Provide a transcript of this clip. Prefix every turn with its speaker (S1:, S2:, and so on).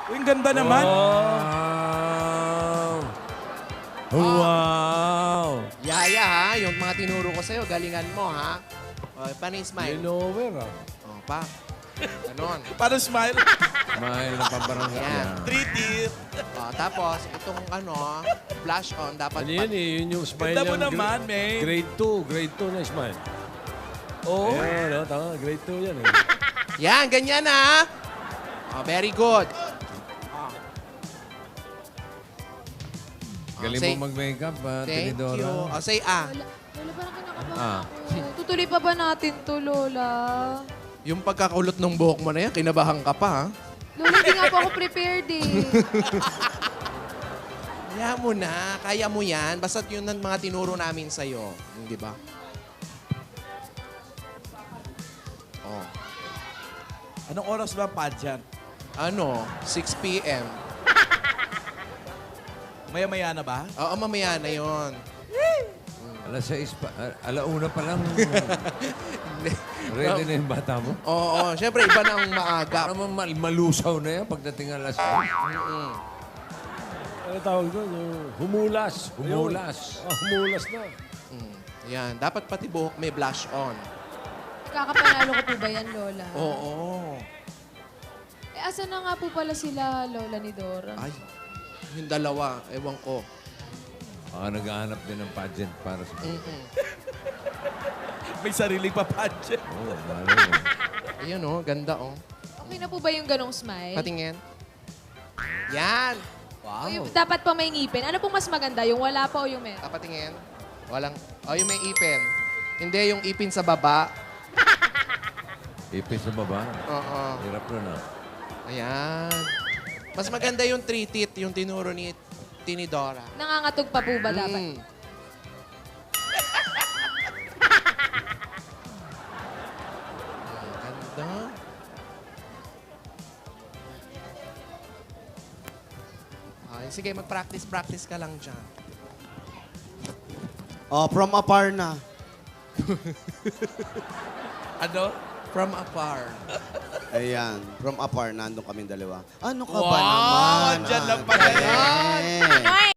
S1: Uy, ang ganda naman.
S2: Wow! Wow!
S3: Yaya ha, yung mga tinuro ko sa'yo, galingan mo ha. O, paano yung smile?
S2: Linover ah.
S3: O, pa. Ganon.
S1: Paano smile?
S2: Mahal na pambarangay.
S3: Yan.
S1: Three teeth.
S3: O, tapos, itong flash on, dapat
S2: Ano yan eh? Yun yung smile
S1: Ganda mo
S2: ng
S1: naman, May.
S2: Grade 2. Grade 2 na smile.
S1: Oo.
S2: Ayan, no? Tama. Grade 2 yan eh.
S3: Yan, ganyan ha. O, very good.
S2: Galing
S3: say-
S2: mo mag-makeup,
S3: Thank
S2: Tinidora.
S3: you. O, say ah.
S4: Lola, parang kinakabahan
S2: Ah.
S4: ako. Tutuloy pa ba natin to, Lola?
S3: Yung pagkakaulot ng buhok mo na yan, kinabahan ka pa ha.
S4: Lola, hindi nga po ako prepared eh.
S3: Kaya mo na, kaya mo yan. Basta't yun ang mga tinuro namin sa'yo. Di ba? Oh.
S1: Anong oras ba ang pageant?
S3: 6 p.m.
S1: Maya-maya na ba?
S3: Oo, mamaya na yun.
S2: Alas 6 pa. Alauna pa lang. Ready na yung bata mo?
S3: Oo, syempre iba na ang maaga.
S2: Para malusaw na yan pagdating alas 6. Ano tawag doon? Humulas. Humulas. Humulas na.
S3: Yan, dapat pati buhok may blush on.
S4: Kakapanalo ko po ba yan, Lola?
S3: Oo.
S4: Eh, asa na nga po pala sila, Lola ni Dora?
S3: Ay, yung dalawa, ewan ko.
S2: Naghahanap din ng pageant para sa...
S1: May sariling pa pageant.
S2: Oo, malay mo.
S3: Ayan ganda
S4: Okay na po ba yung ganong smile?
S3: Patingin. Yan.
S4: O yung dapat pa may ngipin. Ano pong mas maganda? Yung wala pa o yung meron?
S3: Patingin. Walang, yung may ipin. Hindi, yung ipin sa baba.
S2: Ipis sa baba.
S3: Oo.
S2: Hirap na.
S3: Ayan. Mas maganda yung three teeth, yung tinuro ni Tinidora.
S4: Nangangatog pa po ba dapat?
S3: Ganda. Ay, sige, mag-practice ka lang dyan.
S5: Oh, from afar na.
S1: Ano?
S3: From afar.
S5: Ayan, from afar, nandun kami dalawa. Ano ka ba
S1: Wow,
S5: naman?
S1: dyan lang pala yan.
S5: Ate?